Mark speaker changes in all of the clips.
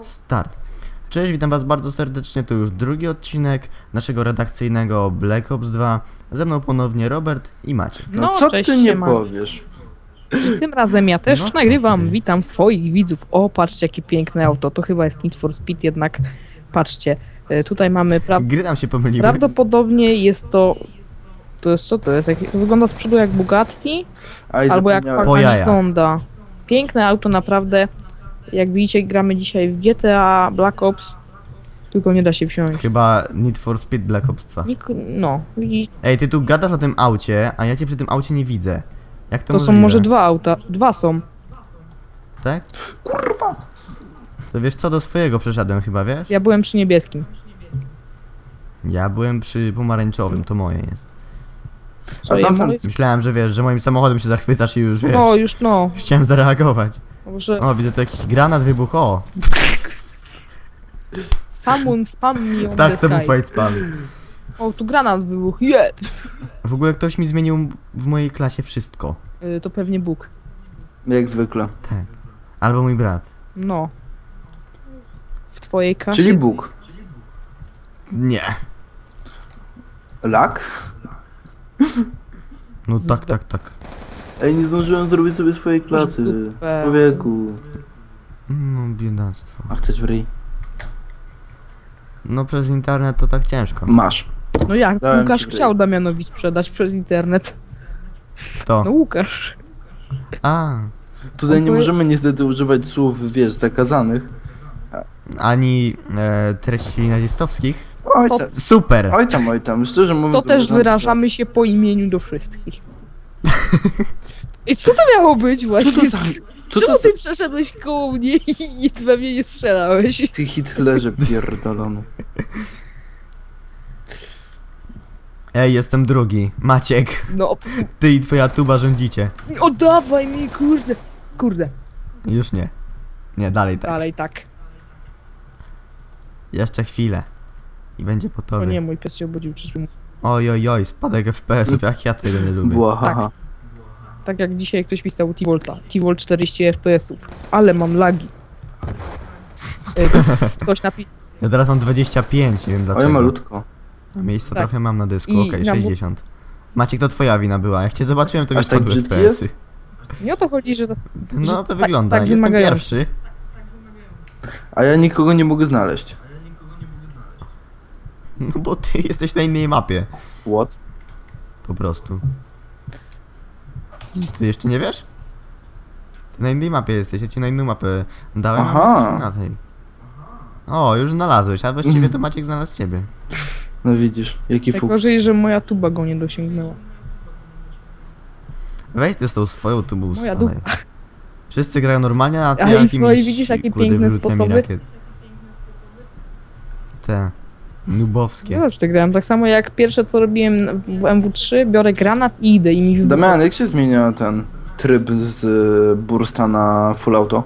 Speaker 1: Start. Cześć, witam was bardzo serdecznie, to już drugi odcinek naszego redakcyjnego Black Ops 2. Ze mną ponownie Robert i Maciek.
Speaker 2: No co
Speaker 3: cześć,
Speaker 2: ty nie
Speaker 3: siema.
Speaker 2: powiesz?
Speaker 3: I tym razem ja też
Speaker 1: No, co
Speaker 3: nagrywam,
Speaker 1: ty?
Speaker 3: witam swoich widzów. O, patrzcie jakie piękne auto, to chyba jest Need for Speed, jednak patrzcie. Tutaj mamy,
Speaker 1: Gry nam się pomyliły.
Speaker 3: prawdopodobnie jest to... To jest co to jest? To wygląda z przodu jak Bugatti,
Speaker 2: Aj,
Speaker 3: albo jak
Speaker 2: zapomniałem.
Speaker 1: Po jajach.
Speaker 3: Zonda. Piękne auto naprawdę. Jak widzicie, gramy dzisiaj w GTA Black Ops, tylko nie da się wsiąść.
Speaker 1: Chyba Need for Speed Black Ops 2.
Speaker 3: No, widzicie,
Speaker 1: Ej, ty tu gadasz o tym aucie, a ja cię przy tym aucie nie widzę. Jak to
Speaker 3: to są
Speaker 1: możliwe?
Speaker 3: może dwa auta, dwa są.
Speaker 1: Tak?
Speaker 2: Kurwa!
Speaker 1: To wiesz co, do swojego przeszedłem chyba, wiesz?
Speaker 3: Ja byłem przy niebieskim.
Speaker 1: Ja byłem przy pomarańczowym, to moje jest.
Speaker 3: Co,
Speaker 2: A
Speaker 3: ja
Speaker 2: tamten-
Speaker 3: moje-
Speaker 1: Myślałem, że wiesz, że moim samochodem się zachwycasz i już wiesz.
Speaker 3: No, już no.
Speaker 1: Chciałem zareagować.
Speaker 3: Może
Speaker 1: O, widzę tu jakiś granat wybuch, o!
Speaker 3: someone spam me on
Speaker 1: Tak,
Speaker 3: the
Speaker 1: to był
Speaker 3: sky.
Speaker 1: fight spam.
Speaker 3: O, tu granat wybuchł, jeb!
Speaker 1: W ogóle ktoś mi zmienił w mojej klasie wszystko.
Speaker 3: To pewnie Bóg.
Speaker 2: Jak zwykle.
Speaker 1: Tak. Albo mój brat.
Speaker 3: No. W twojej kasie.
Speaker 2: Czyli Bóg.
Speaker 1: Nie.
Speaker 2: Lak?
Speaker 1: No tak, tak, tak.
Speaker 2: Ej, nie zdążyłem zrobić sobie swojej klasy.
Speaker 3: Dupę.
Speaker 2: Człowieku.
Speaker 1: No biedactwo.
Speaker 2: A chcesz w ryj?
Speaker 1: No przez internet to tak ciężko.
Speaker 2: Masz.
Speaker 3: No jak?
Speaker 2: Dałem
Speaker 3: Łukasz
Speaker 2: ci
Speaker 3: chciał Damianowi sprzedać przez internet.
Speaker 1: To.
Speaker 3: No Łukasz.
Speaker 1: A.
Speaker 2: Tutaj nie
Speaker 3: Oby-
Speaker 2: możemy niestety używać słów, wiesz, zakazanych.
Speaker 1: Ani treści nazistowskich.
Speaker 2: Oj
Speaker 3: To-
Speaker 2: tam,
Speaker 1: Super!
Speaker 2: oj tam. Szczerze mówiąc...
Speaker 3: To też
Speaker 2: uważam,
Speaker 3: wyrażamy się po imieniu do wszystkich. I co to miało być
Speaker 2: że-
Speaker 3: właśnie?
Speaker 2: Co to za... Co
Speaker 3: Czemu
Speaker 2: to za...
Speaker 3: ty przeszedłeś koło mnie i we mnie nie strzelałeś?
Speaker 2: Ty Hitlerze pierdolony.
Speaker 1: Ej, jestem drugi. Maciek,
Speaker 3: No,
Speaker 1: ty i twoja tuba rządzicie.
Speaker 3: oddawaj mi, kurde. Kurde,
Speaker 1: Już nie. Nie, dalej tak.
Speaker 3: dalej tak.
Speaker 1: Jeszcze chwilę. I będzie po
Speaker 3: O
Speaker 1: tobie.
Speaker 3: nie, mój pies się obudził, czyżby...
Speaker 1: Oj, oj, oj, spadek FPS-ów, jak ja tego nie lubię.
Speaker 2: Błahaha.
Speaker 3: Tak jak dzisiaj ktoś pisał T-Volta. T-Volt 40 FPS-ów. Ale mam lagi. Ktoś napisał.
Speaker 1: Ja teraz mam 25, nie wiem dlaczego.
Speaker 2: Oj, malutko.
Speaker 1: A miejsca
Speaker 3: Tak.
Speaker 1: trochę mam na dysku,
Speaker 3: I
Speaker 1: okej,
Speaker 3: na
Speaker 1: 60. Maciek, to twoja wina była. Jak cię zobaczyłem, to mi
Speaker 2: Aż tak
Speaker 1: spadły
Speaker 2: brzydki
Speaker 1: FPS-y.
Speaker 3: Nie o to chodzi, że to...
Speaker 1: No
Speaker 3: że
Speaker 1: to
Speaker 3: tak-
Speaker 1: wygląda.
Speaker 3: tak
Speaker 1: Jestem
Speaker 3: wymagające.
Speaker 1: pierwszy.
Speaker 2: A ja nikogo nie mogę znaleźć.
Speaker 1: No bo ty jesteś na innej mapie.
Speaker 2: What?
Speaker 1: Po prostu. Ty jeszcze nie wiesz? Ty na innej mapie jesteś, ja ci na inną mapę dałem,
Speaker 2: Aha.
Speaker 1: a jesteś na tej. O, już znalazłeś, a właściwie to Maciek znalazł ciebie.
Speaker 2: No widzisz, jaki
Speaker 3: Tak
Speaker 2: fuks.
Speaker 3: gorzej, że moja tuba go nie dosięgnęła.
Speaker 1: Weź ty z tą swoją tubą
Speaker 3: Moja
Speaker 1: spadaj.
Speaker 3: dupa.
Speaker 1: Wszyscy grają normalnie, a ty
Speaker 3: A i
Speaker 1: jakimiś,
Speaker 3: swoje, widzisz, jakie
Speaker 1: kurde,
Speaker 3: piękne
Speaker 1: wyrzutniami
Speaker 3: sposoby?
Speaker 1: rakiet. Te. Nubowskie.
Speaker 3: Ja zawsze grałem. Tak samo jak pierwsze co robiłem w MW3, biorę granat i idę i mi wybucha.
Speaker 2: Damian, jak się zmienia ten tryb z bursta na full auto?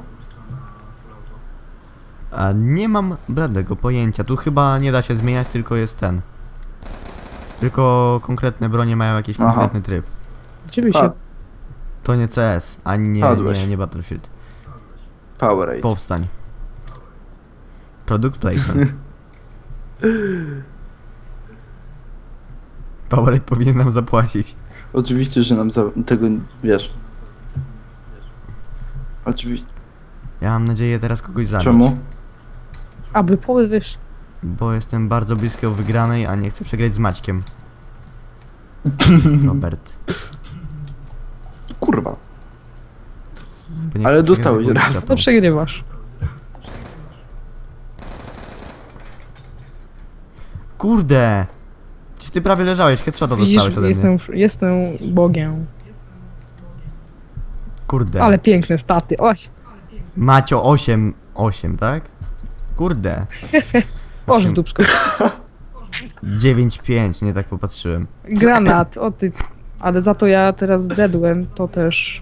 Speaker 1: A nie mam bladego pojęcia. Tu chyba nie da się zmieniać, tylko jest ten. Tylko konkretne bronie mają jakiś
Speaker 2: Aha.
Speaker 1: konkretny tryb.
Speaker 3: Gdzie by się...
Speaker 2: Pa-
Speaker 1: To nie CS, ani
Speaker 2: Padłeś.
Speaker 1: nie Battlefield.
Speaker 2: Powerade.
Speaker 1: Powstań. Product placement. Powerade powinien nam zapłacić.
Speaker 2: Oczywiście, że nam tego wiesz. Oczywiście.
Speaker 1: Ja mam nadzieję teraz kogoś zabić.
Speaker 2: Czemu?
Speaker 3: Aby powiesz...
Speaker 1: Bo jestem bardzo blisko wygranej, a nie chcę przegrać z Maćkiem. Robert.
Speaker 2: Kurwa.
Speaker 1: Bo nie
Speaker 2: Ale
Speaker 1: chcę
Speaker 2: dostałeś
Speaker 1: przegrać
Speaker 2: raz.
Speaker 1: z
Speaker 3: To przegrywasz.
Speaker 1: Kurde! Czy ty prawie leżałeś, headshota
Speaker 3: Widzisz,
Speaker 1: dostałeś ode mnie.
Speaker 3: jestem Bogiem.
Speaker 1: Kurde.
Speaker 3: Ale piękne staty. Oś,
Speaker 1: Macio 8, tak? Kurde.
Speaker 3: Boże w dupsku.
Speaker 1: 9-5, nie tak popatrzyłem.
Speaker 3: Granat, o ty... Ale za to ja teraz dedłem, to też...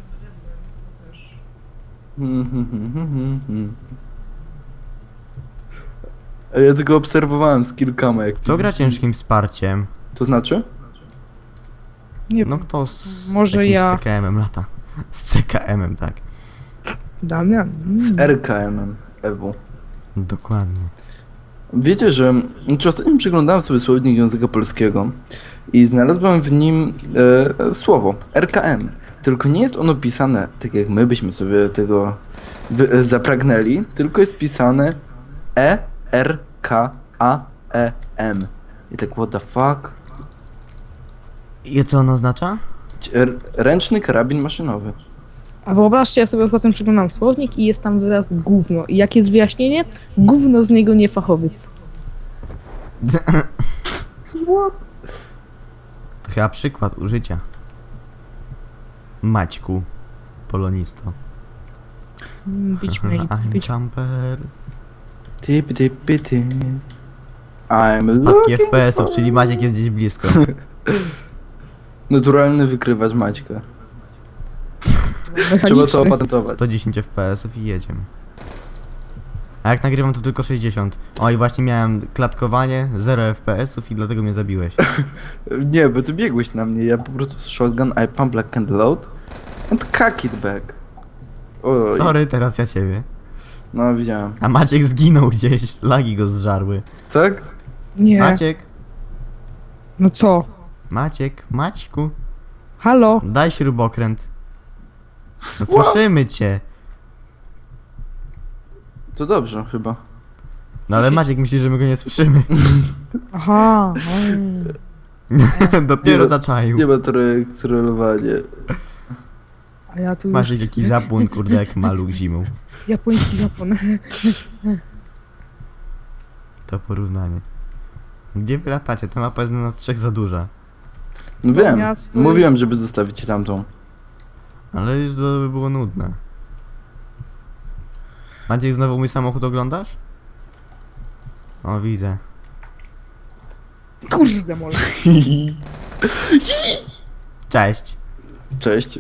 Speaker 2: Ja tylko obserwowałem z kilkoma jak
Speaker 1: Kto gra ciężkim wsparciem?
Speaker 2: To znaczy?
Speaker 3: Nie
Speaker 1: No kto z
Speaker 3: Może
Speaker 1: jakimś
Speaker 3: ja-
Speaker 1: CKM-em lata? Z CKM-em, tak.
Speaker 3: Damian.
Speaker 2: Z RKM-em, EW.
Speaker 1: Dokładnie.
Speaker 2: Wiecie, że ostatnio przeglądałem sobie słownik języka polskiego i znalazłem w nim słowo RKM. Tylko nie jest ono pisane tak jak my byśmy sobie tego zapragnęli, tylko jest pisane ERKAEM. I tak what the fuck?
Speaker 1: I co ono oznacza?
Speaker 2: Ręczny karabin maszynowy.
Speaker 3: A wyobraźcie, ja sobie ostatnio przeglądam słownik i jest tam wyraz gówno. I jakie jest wyjaśnienie? Gówno z niego nie fachowiec.
Speaker 1: To chyba przykład użycia. Maćku, polonisto.
Speaker 3: Bić mnie,
Speaker 1: I'm
Speaker 3: bić.
Speaker 1: jumper.
Speaker 2: Typy, typy, ty. I'm
Speaker 1: Spadki
Speaker 2: looking
Speaker 1: FPS-ów,
Speaker 2: for-
Speaker 1: czyli Maciek jest gdzieś blisko.
Speaker 2: Naturalny wykrywacz Maćka. Trzeba
Speaker 3: Mechaniczny.
Speaker 2: to opatentować.
Speaker 1: 110 FPS-ów i jedziemy. A jak nagrywam to tylko 60. O i właśnie miałem klatkowanie, 0 FPS-ów i dlatego mnie zabiłeś.
Speaker 2: Nie, bo ty biegłeś na mnie, ja po prostu z shotgun I pump like and load and cock it back. Oj,
Speaker 1: Sorry, teraz ja ciebie.
Speaker 2: no widziałem.
Speaker 1: A Maciek zginął gdzieś, lagi go zżarły.
Speaker 2: Tak?
Speaker 3: Nie.
Speaker 1: Maciek,
Speaker 3: No co?
Speaker 1: Maćku,
Speaker 3: Halo?
Speaker 1: daj śrubokręt. No, słyszymy cię.
Speaker 2: To dobrze chyba.
Speaker 1: No ale Maciek myśli, że my go nie słyszymy.
Speaker 3: Aha.
Speaker 1: Dopiero
Speaker 2: Nie,
Speaker 1: zaczaił.
Speaker 2: Nie ma trollowanie.
Speaker 3: A ja tu
Speaker 1: Maciek
Speaker 3: już...
Speaker 1: jakiś zapłon, kurde, jak maluch zimą.
Speaker 3: Japoński Japon.
Speaker 1: To porównanie. Gdzie wy latacie? Ta mapa jest na nas trzech za duża.
Speaker 2: No wiem,
Speaker 3: miasto
Speaker 2: mówiłem, żeby zostawić tamtą.
Speaker 1: Ale już to by było nudne. Maciek, znowu mój samochód oglądasz? O, widzę.
Speaker 3: Kurde mole.
Speaker 1: Cześć.
Speaker 2: Cześć.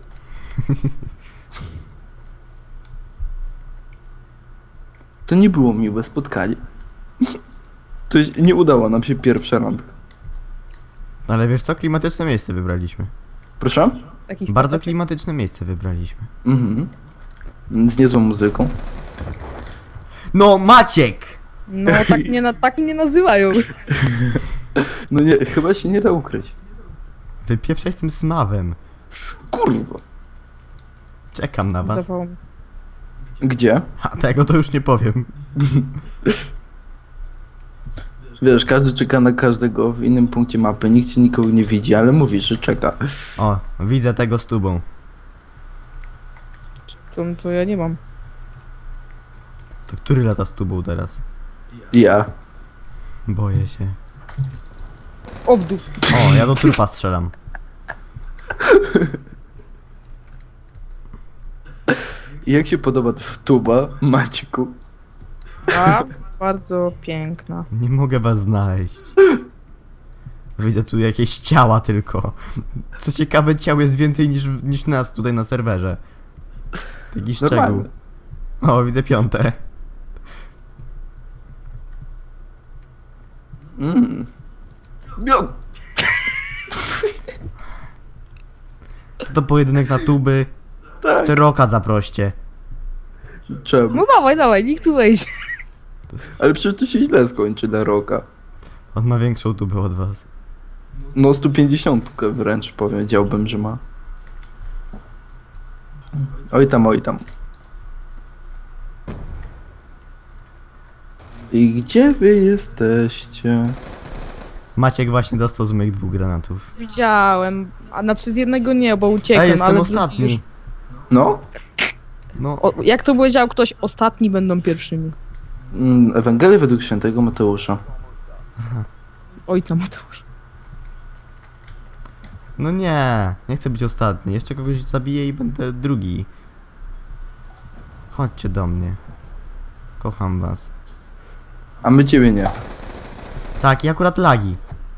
Speaker 2: To nie było miłe spotkanie. Nie udało nam się pierwsza randka.
Speaker 1: Ale wiesz co? Klimatyczne miejsce wybraliśmy.
Speaker 2: Proszę?
Speaker 3: Taki
Speaker 1: Bardzo
Speaker 3: stateczek.
Speaker 1: klimatyczne miejsce wybraliśmy.
Speaker 2: Mhm. Z niezłą muzyką.
Speaker 1: No, Maciek!
Speaker 3: No tak mnie nazywają.
Speaker 2: No nie, chyba się nie da ukryć.
Speaker 1: Wypieprzaj z tym smawem.
Speaker 2: Kurwa.
Speaker 1: Czekam na was.
Speaker 3: Wydawało mi.
Speaker 2: Gdzie?
Speaker 1: A tego to już nie powiem.
Speaker 2: Wiesz, każdy czeka na każdego w innym punkcie mapy. Nikt ci nikogo nie widzi, ale mówi, że czeka.
Speaker 1: O, widzę tego z tubą.
Speaker 3: To ja nie mam.
Speaker 1: To który lata z tubą teraz?
Speaker 2: Ja.
Speaker 1: Boję się.
Speaker 3: O w dół.
Speaker 1: O, ja do trupa strzelam.
Speaker 2: I jak się podoba tuba, Maćku?
Speaker 3: A, bardzo piękna.
Speaker 1: Nie mogę was znaleźć. Widzę tu jakieś ciała tylko. Co ciekawe, ciał jest więcej niż nas tutaj na serwerze. Taki szczegół.
Speaker 2: Normalne.
Speaker 1: O, widzę piąte.
Speaker 2: Bio-
Speaker 1: Co to pojedynek na tuby?
Speaker 2: Tak.
Speaker 1: Czy Roka zaproście?
Speaker 2: Czemu?
Speaker 3: No dawaj, niech tu wejdzie.
Speaker 2: Ale przecież to się źle skończy dla Roka.
Speaker 1: On ma większą tubę od was.
Speaker 2: No 150 wręcz powiedziałbym, że ma. Oj tam, oj tam. I gdzie wy jesteście?
Speaker 1: Maciek właśnie dostał z moich 2 granatów.
Speaker 3: Widziałem. A znaczy z jednego nie, bo uciekłem,
Speaker 1: Ej, jestem
Speaker 3: ale
Speaker 1: ostatni.
Speaker 3: drugi już...
Speaker 2: No?
Speaker 1: No,
Speaker 3: Jak to powiedział ktoś, ostatni będą pierwszymi.
Speaker 2: Ewangelia według świętego Mateusza.
Speaker 3: Ojca Mateusz.
Speaker 1: no nie chcę być ostatni. Jeszcze kogoś zabiję i będę drugi. Chodźcie do mnie. Kocham was.
Speaker 2: A my ciebie nie.
Speaker 1: Tak, i akurat lagi.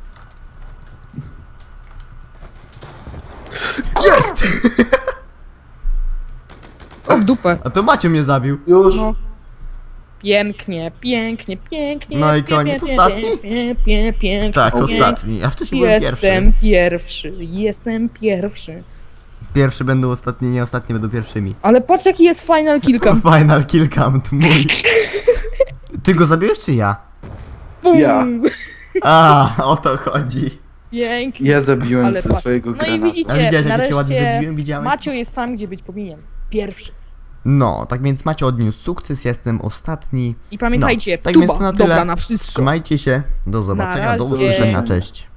Speaker 3: O w dupę.
Speaker 1: A to Macio mnie zabił.
Speaker 2: Już?
Speaker 3: No. Pięknie.
Speaker 1: No i koniec. Ostatni?
Speaker 3: Pięknie.
Speaker 1: Tak, ostatni. A wcześniej byłem pierwszy.
Speaker 3: Jestem pierwszy.
Speaker 1: Pierwszy będą ostatni, nie ostatni będą pierwszymi.
Speaker 3: Ale patrz jaki jest final kilka.
Speaker 1: Final kill count mój. Ty go zabiłeś czy ja?
Speaker 3: Bum!
Speaker 2: Ja.
Speaker 1: A, o to chodzi.
Speaker 3: Pięknie.
Speaker 2: Ja zabiłem
Speaker 3: Ale
Speaker 2: ze
Speaker 3: patrz.
Speaker 2: swojego
Speaker 3: No i
Speaker 2: granatu.
Speaker 1: A
Speaker 3: widzicie,
Speaker 1: widziałeś jak ja cię ładnie
Speaker 3: nareszcie
Speaker 1: wybiłem? Widziałeś?
Speaker 3: Macio jest tam, gdzie być powinien. Pierwszy.
Speaker 1: No, tak więc Macie odniósł sukces, ja jestem ostatni.
Speaker 3: I pamiętajcie,
Speaker 1: no, tak więc
Speaker 3: tuba
Speaker 1: to na tyle.
Speaker 3: dobra na wszystko.
Speaker 1: Trzymajcie się, do zobaczenia, do
Speaker 3: razie.
Speaker 1: usłyszenia, cześć.